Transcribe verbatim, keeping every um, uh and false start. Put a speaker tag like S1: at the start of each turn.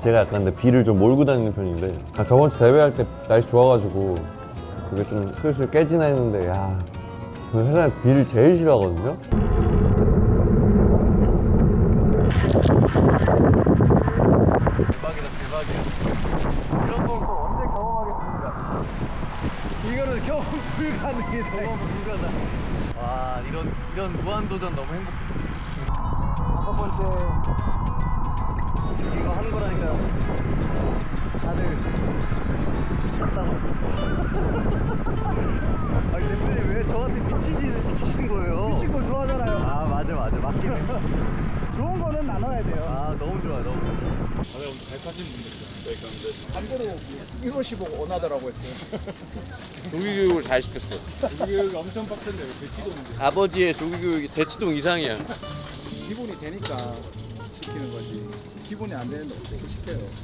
S1: 제가 약간 근데 비를 좀 몰고 다니는 편인데 아, 저번 주 대회할 때 날씨 좋아가지고 그게 좀 슬슬 깨지나 했는데 야 저는 세상에 비를 제일 싫어하거든요.
S2: 대박이다 대박이야. 이런 걸 또 언제 경험하겠습니까? 이거는 경험 불가능이다. 경험 불가능. 와 이런 이런 무한도전 너무 행복해. 다섯 번째 이거 하는 거라니까요. 다들 쳤다고. 아니 대표님 왜 저한테 미친 짓을 시키신 거예요?
S3: 미친 거 좋아하잖아요.
S2: 아 맞아 맞아 맞긴 해.
S3: 좋은 거는 나눠야 돼요.
S2: 아 너무 좋아요 너무 좋아.
S4: 다들 오늘 잘 타시는 분들이죠. 네, 그런데
S3: 참고로 일곱시 보고 원하더라고 했어요.
S4: 조기교육을 잘 시켰어요. 조기교육이 엄청 빡센데 대치동인데
S2: 아버지의 조기교육이 대치동 이상이야.
S3: 기본이 되니까 시키는 거지. 기본이 안 되는데 어떻게 시켜요?